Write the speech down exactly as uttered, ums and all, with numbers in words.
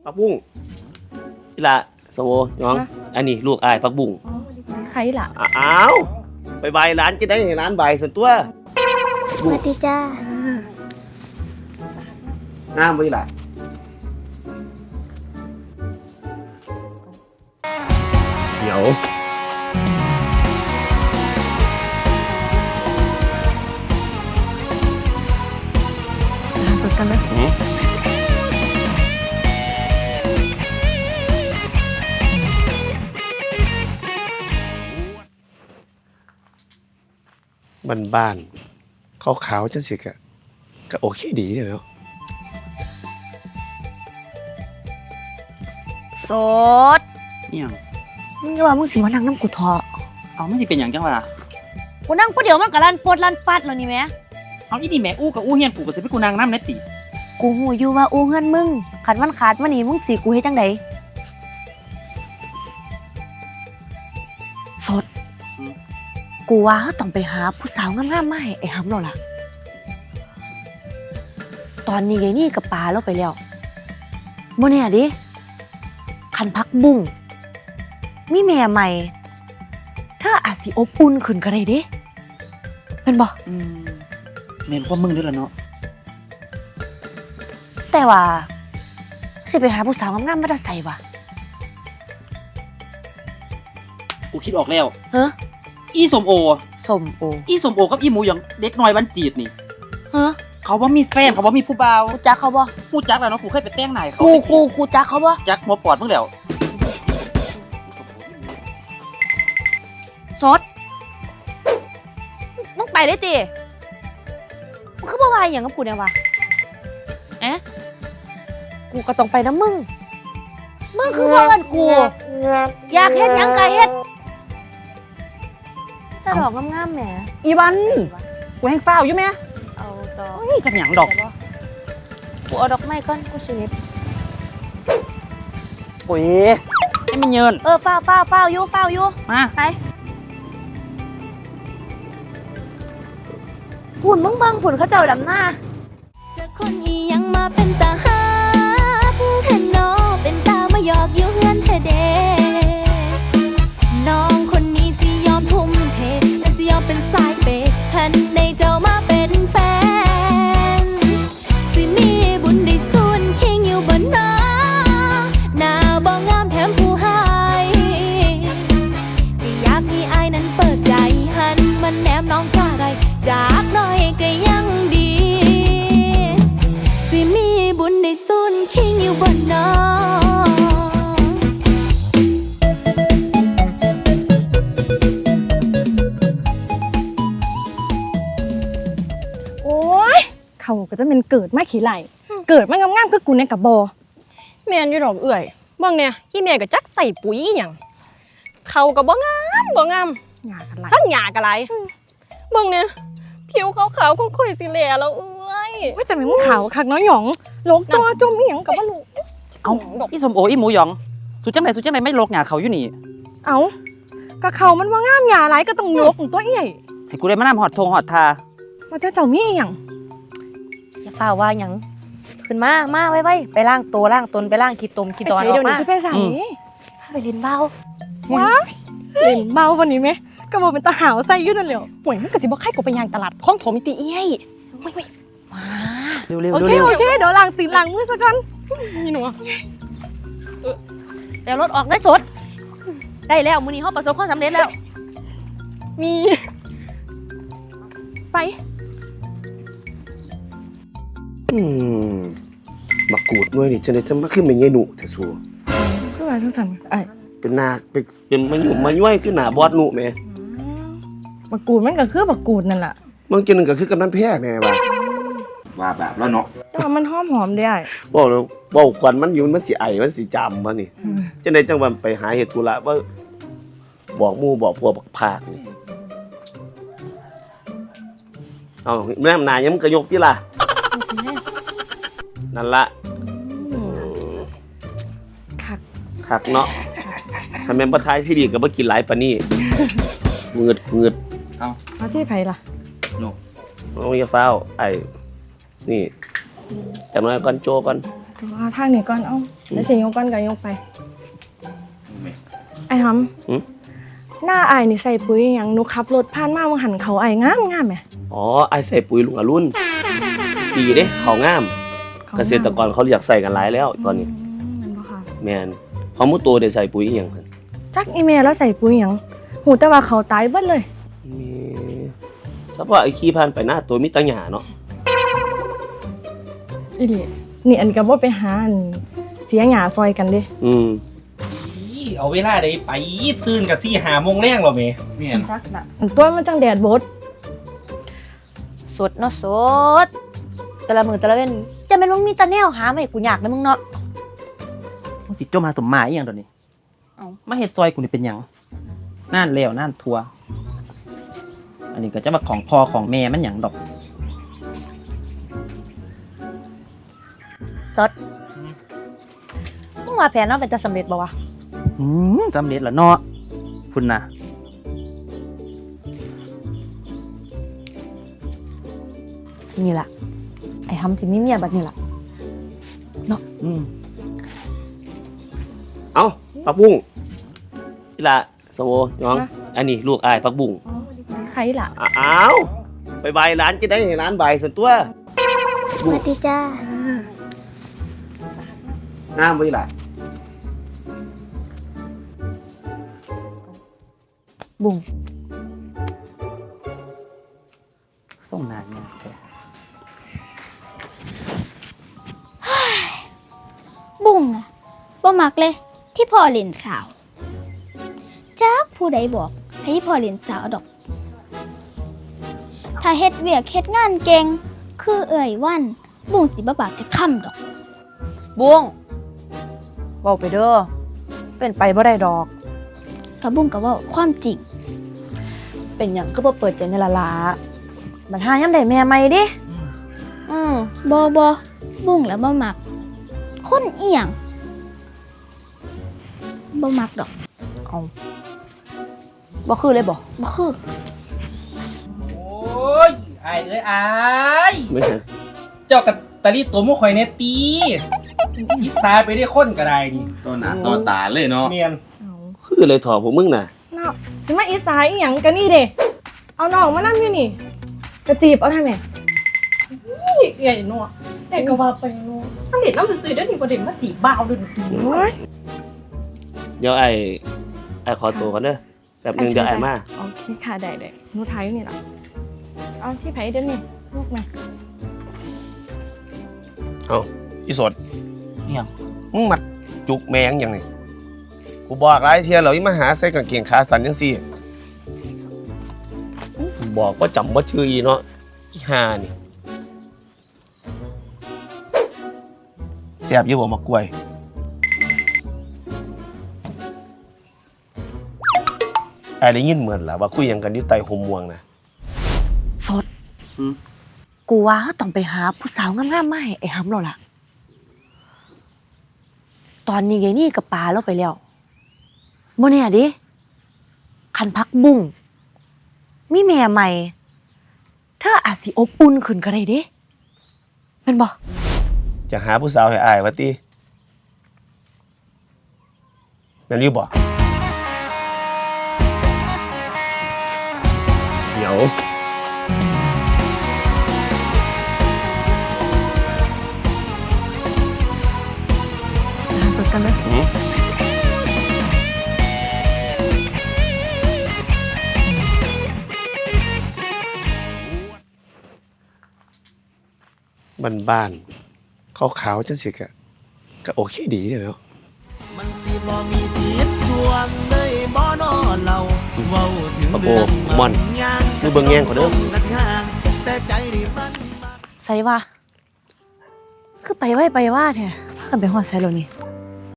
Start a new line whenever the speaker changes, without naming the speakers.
ผักบุ้งนี่ละสมโอน้องอันนี้ลูกอายผักบุ้ง
ใครล่ะ
อ้าวไปใบร้านจะได้ให้ร้านใบส่วนตัว
สวัสดีจ้า
น้ำไว้ล่ะเดี๋ยว
เปิดกันไหม
บ้านบ้านขาวๆจังสิกะก็โอเคดีเลยเนาะ
สด
เนี่ย
มึงจะว่ามึงสิมานั่งน้ำกูทอ
เอาไม่สิเป็นอย่างจังวะ
กูนั่งกูเดี๋ยวมันกับลันปดลันปัดแล้วนี่แม่
เอาอีนี่แม่อู้กับอู้เฮียนกูก็สิไปกูนางน้ำเนติ
กูหูอยู่ว่าอู้เฮือนมึงขันมันขาดมันนี่มึงสิกูให้จังไดสดกูว่าต้องไปหาผู้สาวงามๆมาให้ไอ้หำเราล่ะตอนนี้ไอ้นี่กับปลาเราไปแล้วโมเนี่ยดิคันพักบุ้งมีแม่ใหม่เธออาจสิอบอุ่นขึ้นก็ได้เด้เป็นบ่
อืมเน้นว่ามึงด้วยล่ะเนาะ
แต่ว่าสิไปหาผู้สาวงามๆมาได้ใส่วะ
กูคิดออกแล้ว
เฮ้อ
อีสมโอ
สมโอ
อีสมโอกับอีหมูอย่างเด็กน้อยวันจีดนี่
เฮ้อ
เขาว่ามีแฟนเขาว่ามีผู้บ่าว
กูจักเขาบ่
กูจักแล้วเนาะกูเคยไปแต่งนายเขา
กูกูกูจักเขาบ่
จักหัวปอดมึงแล้ว
สดมึงไปเลยติมึงคือบ่ว่าอย่างกับกูเนี่ยวะเอ๊ะกูก็ต้องไปนะมึงมึงคือบ่เอิ้นกูอยากเฮ็ดหยังก็เฮ็ดแต่ดอกงามๆแหม
อีวันกูแห้งฟ้าวอยู่แม่
เอาดอก
เฮ้ยจักหยังดอก
กูเอาดอกไม้ก่อนกูสิเน็บ
โอ้ยให้มันเยิน
เออฟ้าวฟ้าวฟ้าวอยู่ฟ้าวอยู่
มา
ไปหุ่นมึงบังหุ่นเขาเจ้าดำหน้า
จะคนอียังมาเป็นตาฮักแทนน้อเป็นตามาหยอกอยู่เฮือนเธอเดน้องคนนี้สิยอมทุ่มเทและสิยอมเป็นสายเปย์คันในเจ้ามาเป็นแฟนสิมีบุญได้ส่วนคิงอยู่บนน้าหน้าบ่งามแถมผู้หายก็อยากให้อายนั้นเปิดใจหันมันแนมน้องกล้าไรจากน้อยก็ยังดีสิมีบุญได้ส่วนคิงอยู่บนน้า
เขาก็จะเป็นเกิดมาขี้ไหลเกิดมางามๆคือกูเนี่ยกับโบ
แม่นอยู่ดอกเอื่อยเบิ่งเนี่ยอีแม่ก็จักใส่ปุ๋ยอีหยังเขาก็บ่งามบ่งาม
หยากันไหล
ทั้งหยาก็ไหลเบิ่งเนี่ยผิวขาวๆคงค่อยสิแลแล้วเอ้ย
ว่าจะมีมึงขาวคักน้อยหยองโลกตัวจมอีหยังก็บ่รู้
เอาอีสมโออีหมูหยองสุจังไดสุจังไดไม่โลกหยาเขาอยู่นี่
เอาก็เขามันว่างามหยาไหลก็ต้องโลกของตัวเอี้ย
ให้กูได้มานำฮอดทงฮอดทา
ว่าจะเจ้ามีอีหยัง
อย่าเปล่าว่าหยังขึ้นมามาไว้ๆไปล้างตัวล้างตนไปล้างขี้ตมขี้ดอนออกมา
ไปใส่
ไปเล่นเบา
ว้าเล่นเบาวันนี้ไหมก็บอกเป็นตาหาวใส่ยุ่นนั่นแหละ
ป่วยมันก็สิบ่ใครกูไปย่างตลาดของโถมิติเอ้ยเว้ย
ๆมา
เร็วๆๆโอ
เคโอเคเดี๋ยวล้างตีนล้างมือซะก่อน
นี่หนู
เออเดี๋ยวรถออกได้สดได้แล้วมื้อนี้เฮาประสบความสำเร็จแล้ว
มี
ไป
อืมบักกูดด้วยนี่จะได้จะมาขึ้นเป็นไงหนูแต่ซัว
คือว่าทุกท่านไอ้
เป็นนาเป็นเป็นมาอยู่มาย่อยขึ้นหนาบอดหนูแม่
บักกูดมันก็คือบักกูดนั่นแหละ
บางทีนึงก็คือกำนันแพ้แม่ว่าว่าแบบแล้วเนาะ
แต่ว่ามันหอมหอมได้
บอกเลยบอกควันมันอยู่มันสีไอมันสีจำมันนี่จะได้จังหวะไปหาเหตุธุระว่าบอกมู่บอกพวกบักผากนี่เอาแม่นายยังกระยกที่ล่ะนั่นละ
คัก
คักเนาะทำแม่ประทายที่ดีกับว่ากินหลายปานี่เงืดเงืด
เอา
เอาที่ไผ่ล่ะ
โน่
น้องอย่าเฝ้าไอ้นี่แต่น้อยก่อนโจก่อน
แต่ว่าทางนี้ก่อนเอ้าแล้วสิยกก่อนก็ยกไปไอ้หำหน้าไอ้นี่ใส่ปุ๋ยอหย่างหนูขับรถผ่านมาว่าหันเขาไอ้งามงามแหม
อ๋อไอ้ใส่ปุ๋ยลุงอรุณดีเด้เขางาม
เขา
เกษตรกรเขาอยากใส่กันหลายแล้วตอนนี้
มแม่นบ่ค่ะ
แมนพอมุตัวได้ใส่ปุ๋ยอีหยังหั่น
จักอีเมลแล้วใส่ปุ๋ยหยังหูแต่ว่าเขาตายเบิดเลย
มีสักว่าไอ้ขี้ผ่านไปหน้าตัวมีแตัหญ้าเนาะ
อีหลีนี่อันก็บ่ไปหาอันเสียหญ้าซอยกันเด้
อืม
อีเอาเวลาใดไปตื่นกับสี่หาโมงแรงหรอเมแม่น
จักน่ะอันตัวมันจังแดดบด
สดเนาะสดแต่ละมือแต่ละเว้นจะเป็นมึงมีตาแนวหามาให้กูอยากนะมึงเนาะ
มึงสิจมหาสมหมายอหย่างตอนนี้เอามาเฮ็ดซอยกูนี่เป็นหยังน่านแล้วน่านทัวอันนี้ก็จะมาของพ่อของแม่มันหยังดอก
สดมึงว่าแผนเนาะเป็นจะสำเร็จบ่วะ
อืมสำเร็จแล้วเนาะพุ่นน่ะ
นี่ล่ะไอ้หำที่มีเมียแบบนี้ล่ะ
อืม
เอาปักบุ้งอีหละสมโอน้อง อันนี้ลูกอายปักบุ้ง
ใครล่ะ
อ้าวไปบายร้านจะได้ให้ร้านบายส่วนตัว
สวัสดีจ้า
งามไว้ล่ะ
บุ้ง
ส่งนานมากเลย
บุ้งอะบ่มักเลย ที่พ่อเล่นสาวจักผู้ใดบอกให้พ่อเล่นสาวดอก ถ้าเฮ็ดเวียกเฮ็ดงานเก่งคือเอ่ยวัน บุ้งสิบ่ปากจะค้ำดอก
บุ้งเว้าไปเด้อเป็นไปบ่ได้ดอก
กะบุ้งก็เว้าความจริง
เป็นหยังก็บ่เปิดใจในละละมันหายังได้แม่ใหม่ดิอืม
บ่บ่บุ้งแล้วบ่มัก คนเอียงบ่มักดอก
เอาบ่คือเลยบ่
บ่คือ
โอ้ยไอ้เอ้ยไอ้าย
ไม่ใช่
เจ้ากับตาลีตัวมุข่อยเนตตียิบตายไปได้คนก็ได้นี่
ตัวหนาตัวตาเลยเนาะ
เมียน
เอา
คือเลยถอดพวกมึงน่ะ
เนาะสิมาอีสายอีหยังกันนี่เด้เอาน้องมานั่งอยู่นี่กระจีบเอาทำไมนี่ใหญ่นัวเด็กก็ว่าไปนัวอันเด็ดน้ำซื่อๆเดี๋ยวนี้บ่ได้มาจีบบ่าวเด้วยนี่โอ้ย
เดี๋ยวไอ้ไอ้ขอตัวก่อนเด้อแป๊บหนึงเดี๋ยวไอ้มา
โอเคค่ะได้ได้หนูไทยนี่ล่ะเอาที่ไผเดี๋ยวนี้ลูกมา
เอาอีสด
อิหยัง
มึงมัดจุกแมงอย่างนี้กูบอกหลายเที่ยแล้วอีมาหาใส่กางเกงขาสั้นจังซี่บอกว่าจำว่าชื่ออีเนาะอีห่านี่แซ่บอยู่บ่มากล้วยไอ้ได้ยินเหมือนล่ะว่าคุยหยังกันอยู่ใต้ห่มม่วงนะ
สดกูว่าเราต้องไปหาผู้สาวงามๆมาให้ไอ้หำเราล่ะ ตอนนี้ไงนี่กับปลาเราไปแล้วโมเนี่ยดิคันพักบุ้งมีแม่ใหม่เธออาจสิอบอุ่นขึ้นก็ได้เด้เป็นบ่
จะหาผู้สาวให้อายว่าติแม่นอยู่บ่เดี๋ยว
หาตัวกันเลย
หือบ้านๆขาวๆจังสิกะก็โอเคดีเด้อเนาะ
มันสิบ่มีสิทธิ์ส่วนเลยบ่นอเราเว้าถึง
ปะโบ
เรื่อง
ม่อนคือเบิ่งแย่งเขาเด้อ
แต่ใจนี่มัน
ใส่ว่าคือไปไว้ไปว่าแท้พากันไปฮอดไสแล้วนี่